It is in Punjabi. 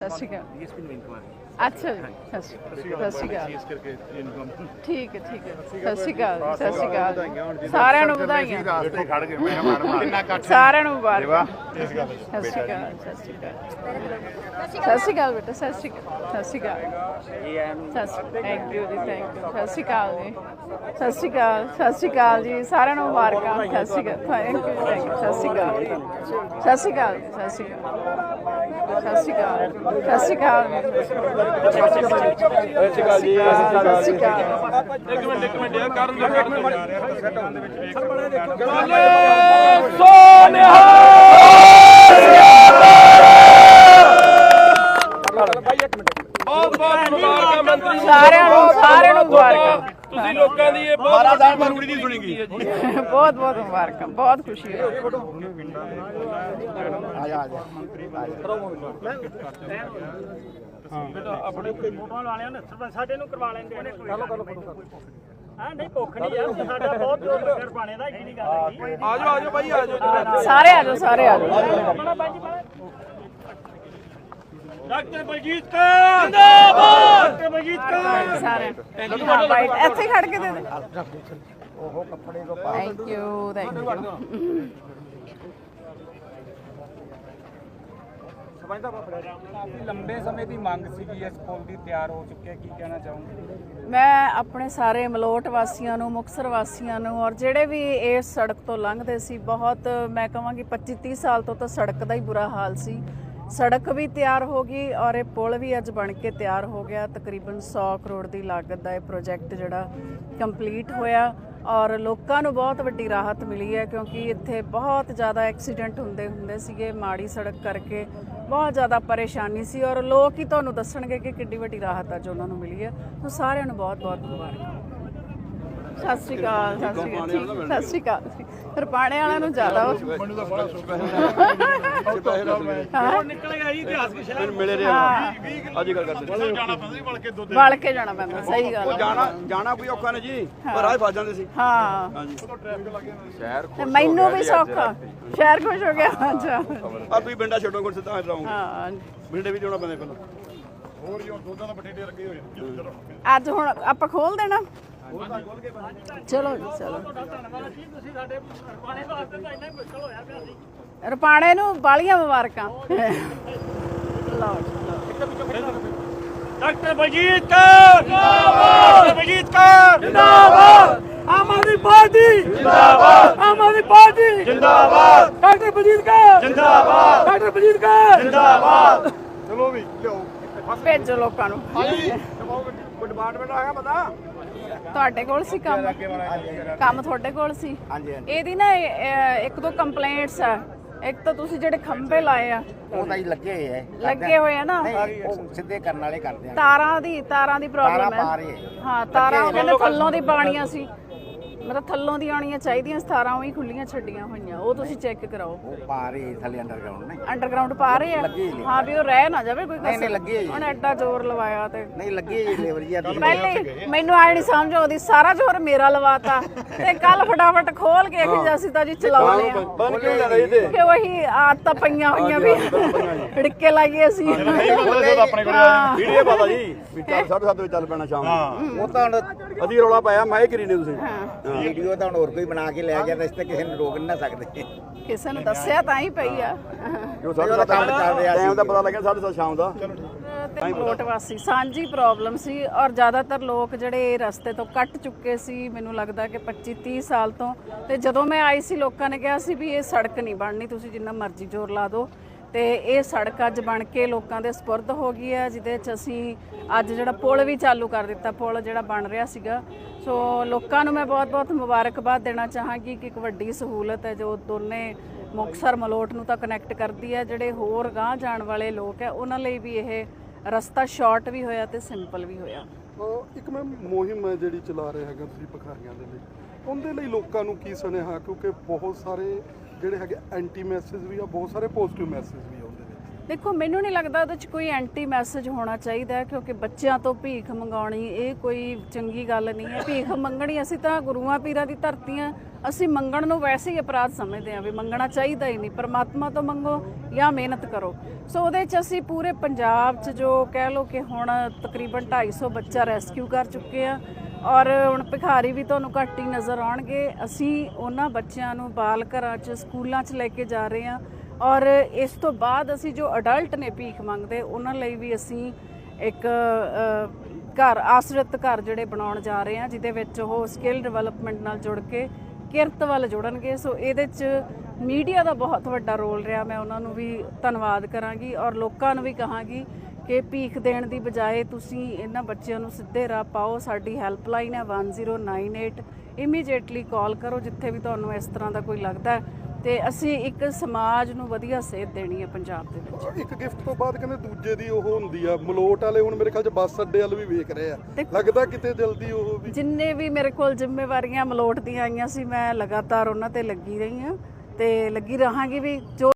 ਸਤਿ ਸ਼੍ਰੀ ਅਕਾਲ। ਅੱਛਾ ਜੀ, ਸਤਿ ਸ਼੍ਰੀ ਅਕਾਲ। ਠੀਕ ਹੈ ਠੀਕ ਹੈ। ਸਤਿ ਸ਼੍ਰੀ ਅਕਾਲ, ਸਤਿ ਸ਼੍ਰੀ ਅਕਾਲ। ਸਾਰਿਆਂ ਨੂੰ ਵਧਾਈਆਂ। ਸਾਰਿਆਂ ਨੂੰ ਮੁਬਾਰਕਾਂ। ਸਤਿ ਸ਼੍ਰੀ ਅਕਾਲ, ਸਤਿ ਸ਼੍ਰੀ ਅਕਾਲ। ਸਤਿ ਸ਼੍ਰੀ ਅਕਾਲ ਬੇਟਾ, ਸਤਿ ਸ਼੍ਰੀ ਅਕਾਲ, ਸਤਿ ਸ਼੍ਰੀ ਅਕਾਲ। ਥੈਂਕ ਯੂ ਜੀ, ਥੈਂਕ ਯੂ। ਸਤਿ ਸ਼੍ਰੀ ਅਕਾਲ ਜੀ, ਸਤਿ ਸ਼੍ਰੀ ਅਕਾਲ, ਸਤਿ ਸ਼੍ਰੀ ਅਕਾਲ ਜੀ। ਸਾਰਿਆਂ ਨੂੰ ਮੁਬਾਰਕਾਂ। ਸਤਿ ਸ਼੍ਰੀ ਅਕਾਲ, ਥੈਂਕ ਯੂ, ਥੈਂਕ ਯੂ। ਸਤਿ ਸ਼੍ਰੀ ਅਕਾਲ, ਸਤਿ ਸ਼੍ਰੀ ਅਕਾਲ, ਸਤਿ ਸ਼੍ਰੀ ਅਕਾਲ, ਸਤਿ ਸ਼੍ਰੀ ਅਕਾਲ, ਸਤਿ ਸ਼੍ਰੀ ਅਕਾਲ। ਇੱਕ ਮਿੰਟ ਯਾਰ ਕਰਨ ਸਾਰਿਆਂ ਨੂੰ ਮੁਬਾਰਕਾਂ। ਤੁਸੀਂ ਲੋਕਾਂ ਦੀ ਇਹ ਬਹੁਤ ਜ਼ਰੂਰੀ ਨਹੀਂ ਸੁਣੀਗੀ। ਬਹੁਤ ਬਹੁਤ ਮੁਬਾਰਕਾਂ, ਬਹੁਤ ਖੁਸ਼ੀ ਹੋਈ। ਬੇਟਾ ਆਪਣੇ ਫੋਟੋਆਂ ਵਾਲਿਆਂ ਨੇ ਸਾਡੇ ਨੂੰ ਕਰਵਾ ਲੈਂਦੇ ਨੇ। ਹਾਂ ਨਹੀਂ ਭੁੱਖ ਨਹੀਂ ਯਾਰ, ਸਾਡਾ ਬਹੁਤ ਜ਼ੋਰ ਲੱਗਿਆ ਪਾਣੇ ਦਾ, ਇੰਨੀ ਗੱਲ ਹੈ। ਆਜੋ ਭਾਈ ਆਜੋ। ਸਾਰੇ ਆਜੋ, ਸਾਰੇ ਆਜੋ। ਡਾਕਟਰ ਬਲਜੀਤ ਕੌਰ ਜਿੰਦਾਬਾਦ, ਡਾਕਟਰ ਬਲਜੀਤ ਕੌਰ। ਸਾਰੇ ਹਾਂ ਬਾਈਟ ਇੱਥੇ ਖੜ ਕੇ ਦੇ ਦੇ। ਉਹ ਕੱਪੜੇ ਤੋਂ ਪਾ। Thank you, thank you. ਲੰਬੇ ਸਮੇਂ ਦੀ ਮੰਗ ਸੀਗੀ, ਇਸ ਪੁਲ ਦੀ ਤਿਆਰ ਹੋ ਚੁੱਕਿਆ, ਕੀ ਕਹਿਣਾ ਚਾਹੋਗੇ? ਮੈਂ ਆਪਣੇ ਸਾਰੇ ਮਲੋਟ ਵਾਸੀਆਂ ਨੂੰ, ਮੁਕਤਸਰ ਵਾਸੀਆਂ ਨੂੰ ਔਰ ਜਿਹੜੇ ਵੀ ਇਸ ਸੜਕ ਤੋਂ ਲੰਘਦੇ ਸੀ, ਬਹੁਤ ਮੈਂ ਕਹਾਂਗੀ 25-30 ਸਾਲ ਤੋਂ ਤਾਂ ਸੜਕ ਦਾ ਹੀ ਬੁਰਾ ਹਾਲ ਸੀ। ਸੜਕ ਵੀ ਤਿਆਰ ਹੋ ਗਈ ਔਰ ਇਹ ਪੁਲ ਵੀ ਅੱਜ ਬਣ ਕੇ ਤਿਆਰ ਹੋ ਗਿਆ। ਤਕਰੀਬਨ 100 ਕਰੋੜ ਦੀ ਲਾਗਤ ਦਾ ਇਹ ਪ੍ਰੋਜੈਕਟ ਜਿਹੜਾ ਕੰਪਲੀਟ ਹੋਇਆ ਔਰ ਲੋਕਾਂ ਨੂੰ ਬਹੁਤ ਵੱਡੀ ਰਾਹਤ ਮਿਲੀ ਹੈ, ਕਿਉਂਕਿ ਇੱਥੇ ਬਹੁਤ ਜ਼ਿਆਦਾ ਐਕਸੀਡੈਂਟ ਹੁੰਦੇ ਸੀਗੇ ਮਾੜੀ ਸੜਕ ਕਰਕੇ। ਬਹੁਤ ਜ਼ਿਆਦਾ ਪਰੇਸ਼ਾਨੀ ਸੀ ਔਰ ਲੋਕ ਹੀ ਤੁਹਾਨੂੰ ਦੱਸਣਗੇ ਕਿ ਕਿੰਨੀ ਵੱਡੀ ਰਾਹਤ ਅੱਜ ਉਹਨਾਂ ਨੂੰ ਮਿਲੀ ਹੈ। ਸੋ ਸਾਰਿਆਂ ਨੂੰ ਬਹੁਤ ਬਹੁਤ ਮੁਬਾਰਕਾਂ। ਸਤਿ ਸ਼੍ਰੀ ਅਕਾਲ, ਸਤਿ ਸ਼੍ਰੀ ਅਕਾਲ, ਸਤਿ ਸ਼੍ਰੀ ਅਕਾਲ। ਰਪਾਣੇ ਵਾਲਿਆਂ ਨੂੰ ਜ਼ਿਆਦਾ ਮੈਨੂੰ ਤਾਂ ਬੜਾ ਸੁੱਕਾ ਨਿਕਲੇਗਾ ਜੀ ਇਤਿਹਾਸ ਕੀ ਸ਼ਹਿਰ ਮਿਲੇ ਰਿਹਾ ਅੱਜ ਗੱਲ ਕਰਦੇ ਜਾਣਾ ਪੈਂਦਾ ਸੀ ਵਲ ਕੇ ਜਾਣਾ ਪੈਂਦਾ। ਸਹੀ ਗੱਲ ਜਾਣਾ ਕੋਈ ਔਖਾ ਨਹੀਂ ਜੀ, ਪਰ ਰਾਹ ਫਸ ਜਾਂਦੇ ਸੀ। ਹਾਂ ਹਾਂਜੀ ਸ਼ਹਿਰ ਤੇ ਮੈਨੂੰ ਵੀ ਸੌਖਾ, ਸ਼ਹਿਰ ਖੁਸ਼ ਹੋ ਗਿਆ। ਅੱਛਾ ਆ ਤੁਸੀਂ ਪਿੰਡਾ ਛੱਡੋ ਕੋਲ ਸਿੱਧਾ ਰਹੋਗੇ। ਹਾਂ ਬਿੰਡੇ ਵੀ ਜਾਣਾ ਪੈਂਦਾ ਪਹਿਲਾਂ। ਹੋਰ ਜੀ ਦੁੱਧਾਂ ਦਾ ਬਠੇਡੇ ਲੱਗੇ ਹੋਏ ਅੱਜ ਹੁਣ ਆਪਾਂ ਖੋਲ ਦੇਣਾ। ਚਲੋ ਜੀ ਚਲੋ। ਤੁਸੀਂ ਸਾਡੇ ਪਾਣੇ ਵਾਸਤੇ ਤਾਂ ਇੰਨਾ ਮੁਸ਼ਕਲ ਹੋਇਆ ਪਿਆ ਸੀ। ਰਪਾਣੇ ਨੂੰ ਬਾਲੀਆਂ ਮੁਬਾਰਕਾਂ। ਲਓ ਡਾਕਟਰ ਬਲਜੀਤ ਕੌਰ ਜਿੰਦਾਬਾਦ, ਡਾਕਟਰ ਬਲਜੀਤ ਕੌਰ ਜਿੰਦਾਬਾਦ, ਆਮ ਆਦਮੀ ਪਾਰਟੀ ਜਿੰਦਾਬਾਦ, ਆਮ ਆਦਮੀ ਪਾਰਟੀ ਜਿੰਦਾਬਾਦ, ਡਾਕਟਰ ਬਲਜੀਤ ਕੌਰ ਜਿੰਦਾਬਾਦ, ਡਾਕਟਰ ਬਲਜੀਤ ਕੌਰ ਜਿੰਦਾਬਾਦ। ਚਲੋ ਵੀ ਲਿਓ ਭੇਜੋ ਲੋਕਾਂ ਨੂੰ। ਕੋਈ ਡਿਪਾਰਟਮੈਂਟ ਆ ਗਿਆ ਪਤਾ? ਤੁਹਾਡੇ ਕੋਲ ਸੀ ਕੰਮ ਤੁਹਾਡੇ ਕੋਲ ਸੀ। ਇਹਦੀ ਨਾ ਇੱਕ ਦੋ ਕੰਪਲੇਂਟਸ ਆ। ਇੱਕ ਤਾਂ ਤੁਸੀਂ ਜਿਹੜੇ ਖੰਭੇ ਲਾਏ ਆ ਉਹ ਤਾਂ ਹੀ ਲੱਗੇ ਹੋਏ ਆ ਨਾ, ਉਹ ਸਿੱਧੇ ਕਰਨ ਵਾਲੇ ਕਰਦੇ ਆ। ਤਾਰਾਂ ਦੀ ਪ੍ਰੋਬਲਮ ਹੈ। ਹਾਂ ਤਾਰਾਂ ਉਹਨਾਂ ਨੇ ਥੱਲੋਂ ਦੀ ਪਾਣੀਆਂ ਸੀ, ਮਤਲਬ ਥੱਲੋਂ ਦੀ ਆਉਣੀਆਂ ਚਾਹੀਦੀਆਂ। 17 ਉਹੀ ਖੁੱਲੀਆਂ ਛੱਡੀਆਂ ਹੋਈਆਂ, ਉਹ ਤੁਸੀਂ ਚੈੱਕ ਕਰਾਓ। ਉਹ ਪਾ ਰਹੇ ਥੱਲੇ ਅੰਡਰਗਰਾਉਂਡ ਨੇ, ਅੰਡਰਗਰਾਉਂਡ ਪਾ ਰਹੇ ਆ। ਹਾਂ ਵੀ ਉਹ ਰਹਿ ਨਾ ਜਾਵੇ ਕੋਈ ਨਹੀਂ ਲੱਗੀ ਹੈ ਜੀ। ਹੁਣ ਐਡਾ ਜ਼ੋਰ ਲਵਾਇਆ ਤੇ ਨਹੀਂ ਲੱਗੀ ਜੀ ਲੇਬਰ ਜੀ। ਪਹਿਲੇ ਮੈਨੂੰ ਆਏ ਨਹੀਂ ਸਮਝ ਆਉਂਦੀ, ਸਾਰਾ ਜ਼ੋਰ ਮੇਰਾ ਲਵਾਤਾ ਤੇ ਕੱਲ ਫਟਾਫਟ ਖੋਲ ਕੇ ਕਿ ਅਸੀਂ ਤਾਂ ਜੀ ਚਲਾਉਣੇ ਆ ਕਿ ਉਹੀ ਆਦਤਾਂ ਪਈਆਂ ਹੋਈਆਂ ਵੀ ੜਿੱਕੇ ਲਾਈਏ ਅਸੀਂ। ਆਪਣੇ ਕੋਲ ਵੀਡੀਓ ਪਤਾ ਜੀ ਵੀ 7:30 ਵਜੇ ਚੱਲ ਪੈਣਾ ਸ਼ਾਮ ਨੂੰ। ਉਹ ਤਾਂ ਅਸੀਂ ਰੌਲਾ ਪਾਇਆ ਮੈਂ ਇਹ ਕਰੀ ਨੇ ਤੁਸੀਂ ਵੀਡੀਓ ਤਾਂ ਹੁਣ ਹੋਰ ਕੋਈ ਬਣਾ ਕੇ ਲੈ ਗਿਆ ਤਾਂ ਇਸ ਤੇ ਕਿਸੇ ਨੂੰ ਰੋਕ ਨਹੀਂ ਨਾ ਸਕਦੇ। ਕਿਸੇ ਨੂੰ ਦੱਸਿਆ ਤਾਂ ਹੀ ਪਈ ਆ। ਜੋ ਸਾਡਾ ਕੰਮ ਚੱਲ ਰਿਹਾ ਟਾਈਮ ਦਾ ਪਤਾ ਲੱਗਿਆ 7:30 ਸ਼ਾਮ ਦਾ। ਤੇ ਮਲੋਟ ਵਾਸੀ ਸਾਂਝੀ ਪ੍ਰੋਬਲਮ ਸੀ ਔਰ ਜ਼ਿਆਦਾਤਰ ਲੋਕ ਜਿਹੜੇ ਰਸਤੇ ਤੋਂ ਕੱਟ ਚੁੱਕੇ ਸੀ, ਮੈਨੂੰ ਲੱਗਦਾ ਕਿ 25-30 ਸਾਲ ਤੋਂ। ਤੇ ਜਦੋਂ ਮੈਂ ਆਈ ਸੀ ਲੋਕਾਂ ਨੇ ਕਿਹਾ ਸੀ ਵੀ ਇਹ ਸੜਕ ਨਹੀਂ ਬਣਨੀ, ਤੁਸੀਂ ਜਿੰਨਾ ਮਰਜ਼ੀ ਜ਼ੋਰ ਲਾ ਦਿਓ। ਤੇ ਇਹ ਸੜਕ ਅੱਜ ਬਣ ਕੇ ਲੋਕਾਂ ਦੇ ਸਪੁਰਦ ਹੋ ਗਈ ਹੈ, ਜਿਹਦੇ 'ਚ ਅਸੀਂ ਅੱਜ ਜਿਹੜਾ ਪੁਲ ਵੀ ਚਾਲੂ ਕਰ ਦਿੱਤਾ, ਪੁਲ ਜਿਹੜਾ ਬਣ ਰਿਹਾ ਸੀਗਾ। ਸੋ ਲੋਕਾਂ ਨੂੰ ਮੈਂ ਬਹੁਤ-ਬਹੁਤ ਮੁਬਾਰਕਬਾਦ ਦੇਣਾ ਚਾਹਾਂਗੀ ਕਿ ਇੱਕ ਵੱਡੀ ਸਹੂਲਤ ਹੈ ਜੋ ਦੋਨੇ ਮੁਕਤਸਰ ਮਲੋਟ ਨੂੰ ਤਾਂ ਕਨੈਕਟ ਕਰਦੀ ਹੈ। ਜਿਹੜੇ ਹੋਰ ਗਾਂਹ ਜਾਣ ਵਾਲੇ ਲੋਕ ਹੈ ਉਹਨਾਂ ਲਈ ਵੀ ਇਹ ਰਸਤਾ ਸ਼ਾਰਟ ਵੀ ਹੋਇਆ ਤੇ ਸਿੰਪਲ ਵੀ ਹੋਇਆ। ਇੱਕ ਮੈਂ ਮੁਹਿੰਮ ਹੈ ਜਿਹੜੀ ਚਲਾ ਰਹੇ ਹੈਗਾ ਤੁਸੀਂ ਭਿਖਾਰੀਆਂ ਦੇ ਲਈ, ਉਹਦੇ ਲਈ ਲੋਕਾਂ ਨੂੰ ਕੀ ਸੁਨੇਹਾ? ਕਿਉਂਕਿ ਬਹੁਤ ਸਾਰੇ ਜਿਹੜੇ ਹੈਗੇ ਐਂਟੀ ਮੈਸੇਜ ਵੀ ਆ, ਬਹੁਤ ਸਾਰੇ ਪੋਜ਼ਿਟਿਵ ਮੈਸੇਜ ਵੀ ਆ ਉਹਦੇ ਵਿੱਚ। ਦੇਖੋ ਮੈਨੂੰ ਨਹੀਂ ਲੱਗਦਾ ਉਹਦੇ 'ਚ ਕੋਈ ਐਂਟੀ ਮੈਸੇਜ ਹੋਣਾ ਚਾਹੀਦਾ, ਕਿਉਂਕਿ ਬੱਚਿਆਂ ਤੋਂ ਭੀਖ ਮੰਗਾਉਣੀ ਇਹ ਕੋਈ ਚੰਗੀ ਗੱਲ ਨਹੀਂ ਹੈ। ਭੀਖ ਮੰਗਣੀ, ਅਸੀਂ ਤਾਂ ਗੁਰੂਆਂ ਪੀਰਾਂ ਦੀ ਧਰਤੀ ਆ, ਅਸੀਂ ਮੰਗਣ ਨੂੰ ਵੈਸੇ ਹੀ ਅਪਰਾਧ ਸਮਝਦੇ ਹਾਂ ਵੀ ਮੰਗਣਾ ਚਾਹੀਦਾ ਹੀ ਨਹੀਂ। ਪਰਮਾਤਮਾ ਤੋਂ ਮੰਗੋ ਜਾਂ ਮਿਹਨਤ ਕਰੋ। ਸੋ ਉਹਦੇ 'ਚ ਅਸੀਂ ਪੂਰੇ ਪੰਜਾਬ 'ਚ ਜੋ ਕਹਿ ਲਓ ਕਿ ਹੁਣ ਤਕਰੀਬਨ 250 ਬੱਚਾ ਰੈਸਕਿਊ ਕਰ ਚੁੱਕੇ ਆ ਔਰ ਹੁਣ ਭਿਖਾਰੀ ਵੀ ਤੁਹਾਨੂੰ ਘੱਟ ਹੀ ਨਜ਼ਰ ਆਉਣਗੇ। ਅਸੀਂ ਉਹਨਾਂ ਬੱਚਿਆਂ ਨੂੰ ਬਾਲ ਘਰਾਂ 'ਚ ਸਕੂਲਾਂ 'ਚ ਲੈ ਕੇ ਜਾ ਰਹੇ ਹਾਂ ਔਰ ਇਸ ਤੋਂ ਬਾਅਦ ਅਸੀਂ ਜੋ ਅਡਲਟ ਨੇ ਭੀਖ ਮੰਗਦੇ ਉਹਨਾਂ ਲਈ ਵੀ ਅਸੀਂ ਇੱਕ ਘਰ ਆਸਰਤ ਘਰ ਜਿਹੜੇ ਬਣਾਉਣ ਜਾ ਰਹੇ ਹਾਂ ਜਿਹਦੇ ਵਿੱਚ ਉਹ ਸਕਿੱਲ ਡਿਵੈਲਪਮੈਂਟ ਨਾਲ ਜੁੜ ਕੇ ਕਿਰਤ ਵੱਲ ਜੁੜਨਗੇ। ਸੋ ਇਹਦੇ 'ਚ ਮੀਡੀਆ ਦਾ ਬਹੁਤ ਵੱਡਾ ਰੋਲ ਰਿਹਾ। ਮੈਂ ਉਹਨਾਂ ਨੂੰ ਵੀ ਧੰਨਵਾਦ ਕਰਾਂਗੀ ਔਰ ਲੋਕਾਂ ਨੂੰ ਵੀ ਕਹਾਂਗੀ ਕਿ ਭੀਖ ਦੇਣ ਦੀ ਬਜਾਏ ਤੁਸੀਂ ਇਹਨਾਂ ਬੱਚਿਆਂ ਨੂੰ ਸਿੱਧੇ ਰਾਹ ਪਾਓ। ਸਾਡੀ ਹੈਲਪਲਾਈਨ ਹੈ 1098। ਇਮੀਡੀਏਟਲੀ ਕਾਲ ਕਰੋ ਜਿੱਥੇ ਵੀ ਤੁਹਾਨੂੰ ਇਸ ਤਰ੍ਹਾਂ ਦਾ ਕੋਈ ਲੱਗਦਾ ਹੈ ਤੇ ਅਸੀਂ ਇੱਕ ਸਮਾਜ ਨੂੰ ਵਧੀਆ ਸੇਧ ਦੇਣੀ ਹੈ ਪੰਜਾਬ ਦੇ ਵਿੱਚ। ਇੱਕ ਗਿਫਟ ਤੋਂ ਬਾਅਦ ਕਹਿੰਦੇ ਦੂਜੇ ਦੀ ਉਹ ਹੁੰਦੀ ਆ ਮਲੋਟ ਵਾਲੇ, ਹੁਣ ਮੇਰੇ ਖਿਆਲ 'ਚ ਬੱਸ ਅੱਡੇ ਵੱਲ ਵੀ ਵੇਖ ਰਹੇ ਆ, ਲੱਗਦਾ ਕਿਤੇ ਜਲਦੀ ਉਹ ਵੀ। ਜਿੰਨੇ ਵੀ ਮੇਰੇ ਕੋਲ ਜ਼ਿੰਮੇਵਾਰੀਆਂ ਮਲੋਟ ਦੀਆਂ ਆਈਆਂ ਸੀ ਮੈਂ ਲਗਾਤਾਰ ਉਹਨਾਂ ਤੇ ਲੱਗੀ ਰਹੀ ਹਾਂ ਤੇ ਲੱਗੀ ਰਹਾਂਗੀ ਵੀ। ਜੋ